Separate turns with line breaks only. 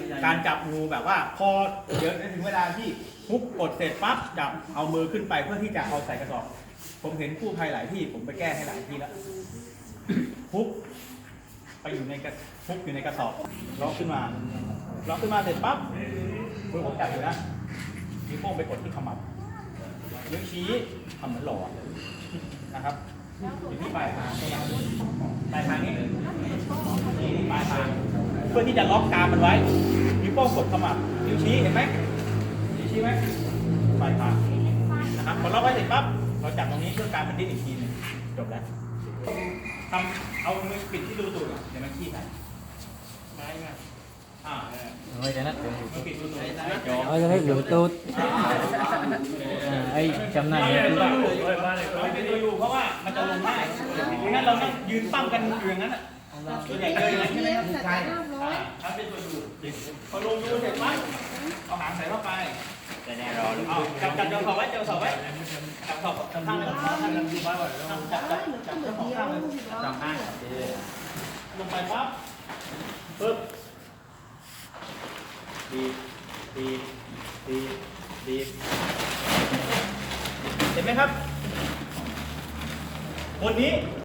การจับงูแบบว่าพอเดี๋ยวถึงเวลาที่ฮุกกดเสร็จปั๊บจับเอามือขึ้นไปเพื่อที่จะเอาใส่กระสอบผมเห็นกู้ภัยหลายที่ผมไปแก้ให้หลายที่แล้วฮุกไปอยู่ในฮุกอยู่ในกระสอบล็อกขึ้นมาเสร็จปั๊บมือผมจับอยู่นะนิ้วโป้งไปกดที่ขมับนิ้วชี้ทำเหมือนหล่อนะครับอยู่ที่ปลายทางนี้ปลายทางนี้นี่ปลายทางเพื่อที่จะล็อกกรามมันไว้นิ้วโป้งกดขมับนิ้วชี้เห็นไหมนิ้วชี้ไหมปลายทางนะครับพอล็อกไว้เสร็จปั๊บเราจับตรงนี้เพื่อการมันดิ้นอีกทีนึงจบแล้วทำเอามือปิดที่รูตูดเดี๋ยวมันขี้ใส่ไม้มา
Ôi cho nó
Ôi
cho thấy lửa tốt ấy chấm này
ไม่ได้ดูเพราะว่ามันจะลงง่ายไม่งั้นเราต้องยืนปั้มกันอยู่อย่างนั้นอ่ะส่วนใหญ่เจออย่างนั้นใช่ไหมครับใช่ครับเป็นตัวดูพอลงดูเสร็จปั๊บเอาหางใส่เข้าไปแต่แน่รอหรือจับเจ้าสอบไว้จับสอบข้างเลยจับเจ้าของข้างเลยจับข้างลงไปปั๊บปึ๊บดีเห็นไหมครับคนนี้